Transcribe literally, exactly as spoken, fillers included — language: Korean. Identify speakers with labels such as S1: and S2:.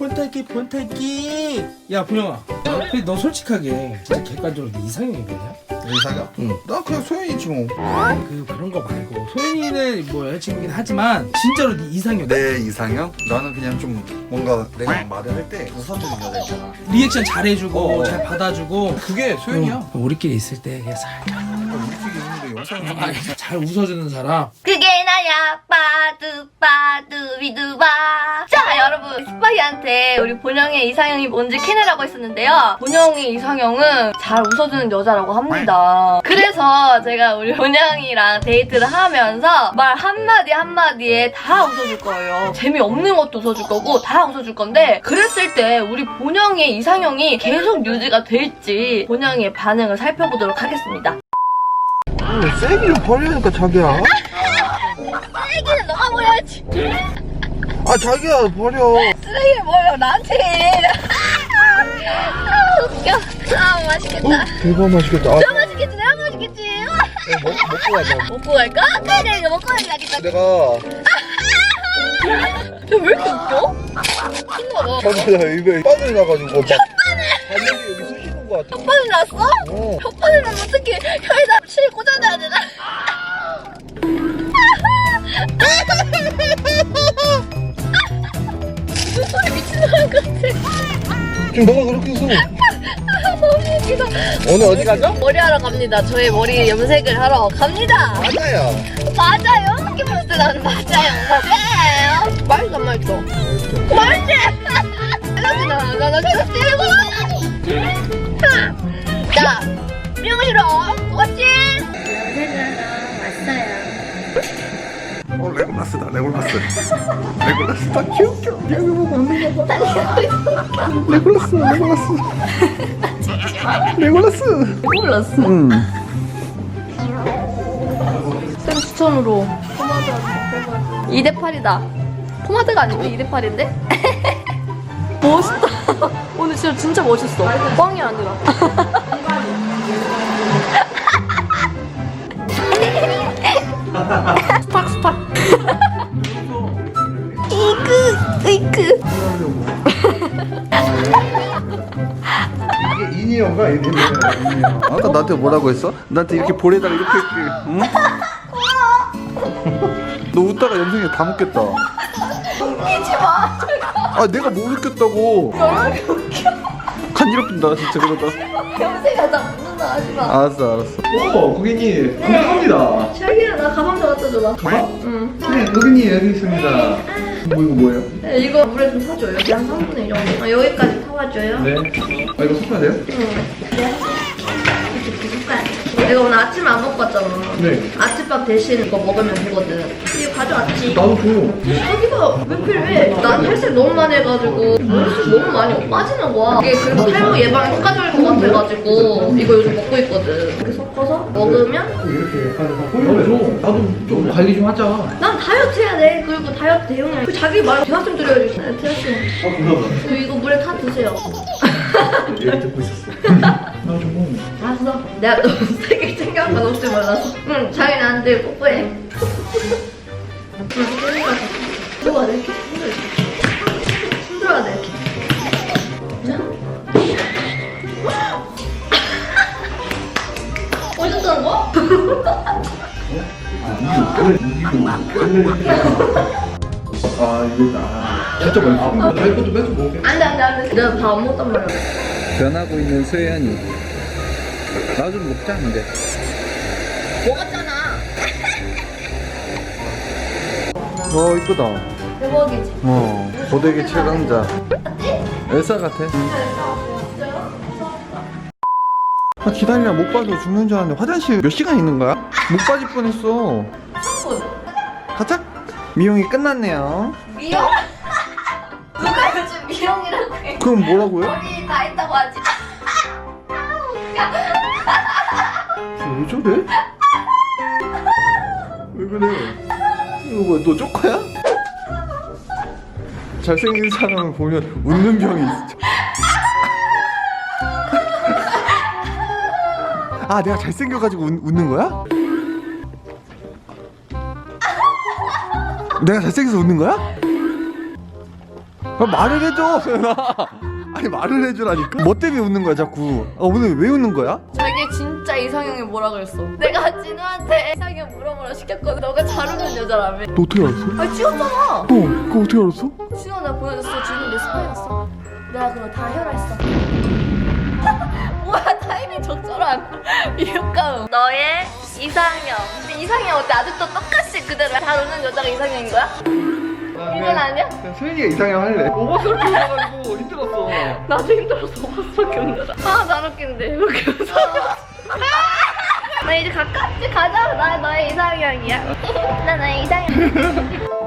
S1: 폰탈기 폰탈기. 야 분영아, 근데 너 솔직하게 진짜 객관적으로 네 이상형이 뭐냐?
S2: 이상형?
S1: 응.
S2: 나 그냥 소연이지 뭐.
S1: 그 그런 거 말고 소연이는 뭐 여자친구긴 하지만 진짜로 네 이상형.
S2: 내 이상형? 나는 그냥 좀 뭔가 내가 말을 할 때 웃어주는 여자 있잖아.
S1: 리액션 잘해주고
S2: 어.
S1: 잘 받아주고.
S2: 그게 소연이야.
S1: 응. 우리끼리 있을 때 그냥 살짝
S2: 우리끼리 있는데 영상
S1: 아니, 잘 웃어주는 사람.
S3: 그게 나야 빠두빠두비두바. 자 여러분, 스파이한테 우리 본영의 이상형이 뭔지 캐내라고 했었는데요. 본영의 이상형은 잘 웃어주는 여자라고 합니다. 그래서 제가 우리 본영이랑 데이트를 하면서 말 한마디 한마디에 다 웃어줄 거예요. 재미없는 것도 웃어줄 거고 다 웃어줄 건데, 그랬을 때 우리 본영의 이상형이 계속 유지가 될지 본영의 반응을 살펴보도록 하겠습니다.
S2: 세기를 버리니까 자기야.
S3: 쓰레기는 너가 버려야지.
S2: 아 자기야 버려.
S3: 쓰레기를 버려 나한테. 아 웃겨. 아 맛있겠다.
S2: 대박 맛있겠다. 아,
S3: 내가 맛있겠지. 내가 맛있겠지.
S2: 먹, 먹고 가자.
S3: 먹고 갈까? 그래 내가 이거 먹고 가야겠다.
S2: 내가
S3: 쟤왜 이렇게 웃겨? 신나봐.
S2: 자기야 입에 바늘 나가지고 막 바늘이 여기 쑤시는 거 같아.
S3: 혓바늘 났어?
S2: 어.
S3: 혓바늘 나면 어떻게 혀에다 실 꽂아놔야 되나? 눈소리 미친놈인 것 같아.
S2: 지금 너가 그렇게 해서
S3: 아, 너무 웃기다.
S2: 오늘 어디 가죠?
S3: 머리하러 갑니다. 저의 머리 염색을 하러 갑니다.
S2: 맞아요.
S3: 맞아요. 어떻게 봤을 때 나는 맞아요. 맞아요. 맛있어 안 맛있어? 맛있지? 나나 나나 계속 때리고. 자, 미용실로 왔지?
S2: 어 레골라스다 레골라스. 레골라스다. 귀엽겨. 여기 보고 웃는 거 봐. 레골라스 레골라스. 레골라스.
S3: 몰랐어.
S2: 응.
S3: 쌤 추천으로 포마드 하자. 이 대 팔이다. 포마드가 아니고 이 대 팔인데? 멋있다. 오늘 진짜 진짜 멋있어. 뻥이 아니라. 스팍 스팍. 이그 이그.
S2: 이게 인이어가 이름이야. 아까 나한테 뭐라고 했어? 나한테 이렇게 볼에다가 이렇게 이렇게. 응? 너 웃다가 염색이 다 묻겠다.
S3: 웃기지 마.
S2: 아 내가 못 웃겼다고.
S3: 너무 웃겨.
S2: 간지럽힌다 진짜 그러다.
S3: 염색하다 웃는다 하지 마.
S2: 알았어 알았어. 오 고객님 감사합니다.
S3: 자기야 나 가방 좀 갖다 줘봐.
S2: 가방?
S3: 응.
S2: 네 고객님 여기 있습니다. 뭐 이거 뭐예요?
S3: 네, 이거 물에 좀 타줘요. 여기 한 삼분의 일 정도. 아, 여기까지 타와줘요.
S2: 네. 아 이거 섞어야 돼요?
S3: 응. 네. 이렇게 숟갈. 내가 오늘 아침 안 먹고 왔잖아.
S2: 네.
S3: 아침밥 대신 이거 먹으면 되거든. 이거 가져왔지.
S2: 나도 줘.
S3: 자기가 왜 필요해? 난 탈색 너무 많이 해가지고 머리숱 너무 많이 빠지는 거야. 이게 그리고 탈모 예방에 효과적일 것 같아가지고 이거 요즘 먹고 있거든. 이렇게 섞어서 먹으면
S2: 이렇게 하면서 보여줘. 나도 좀 관리 좀 하자.
S3: 난 다이어트 해야 돼. 그리고 다이어트 대용량. 그 자기 말 대화좀 드려야지. 네, 대화좀.
S2: 아 감사합니다.
S3: 그 이거 물에 타 드세요.
S2: 얘기 듣고 있었어. 나 좀.
S3: 알았어. 내가 너무 세게 챙겨간 건 혹시 몰라서. 응, 자기 나한테 뽀뽀해. 응, 그러니까 들어가 돼. 이렇게 힘들어야 돼. 이렇게. 자. 멋있다는 거?
S2: 아 이거 아 진짜 맛있어. 나 이거 좀 뺏어 먹을게.
S3: 안돼 안돼 안돼. 내가 밥 안 먹단 말이야.
S2: 변하고 있는 소연이. 나 좀 먹자 근데.
S3: 먹었잖아.
S2: 어 이쁘다.
S3: 대박이지.
S2: 어 고데기 최강자. 엘사 같아. 아 기다리라 목 빠져 죽는 줄 알았는데 화장실 몇 시간 있는 거야? 목 빠질 뻔했어.
S3: 삼 분.
S2: 가자. 미용이 끝났네요.
S3: 미용? 누가 요즘 미용이라고 해?
S2: 그럼 뭐라고요?
S3: 머리 다 했다고 하지.
S2: 왜 저래? 왜 그래? 이거 뭐야 너 쪼커야? 잘생긴 사람을 보면 웃는 병이 있어. 아 내가 잘생겨가지고 웃, 웃는 거야? 내가 잘생겨서 웃는 거야? 아, 말을 해줘 소연아. 아니 말을 해주라니까. 뭐 때문에 웃는 거야 자꾸? 아, 오늘 왜 웃는 거야?
S3: 자기 진짜 이상형이 뭐라 그랬어? 내가 진우한테 이상형 물어보라 시켰거든. 너가 잘 웃는 여자라며.
S2: 너 어떻게 알았어?
S3: 아 찍었잖아.
S2: 어 그거 어떻게 알았어?
S3: 진우가 내가 보내줬어. 진우 내 스파이였어. 내가 그거 다 해결했어. 뭐야 타이밍 적절한 이웃가음. 너의 이상형. 근데 이상형 어때? 아직도 똑같이 그대로 잘 웃는 여자가 이상형인 거야? 이건 아니야?
S2: 그냥 소연이가 이상형 할래. 오버스럽게 웃어가지고 힘들었어.
S3: 나도 힘들어서 오버스럽게 웃는다. 아, 난 웃긴데. 이렇게 웃어. 나 이제 가깝게 가자. 나 너의 이상형이야. 나 너의 이상형.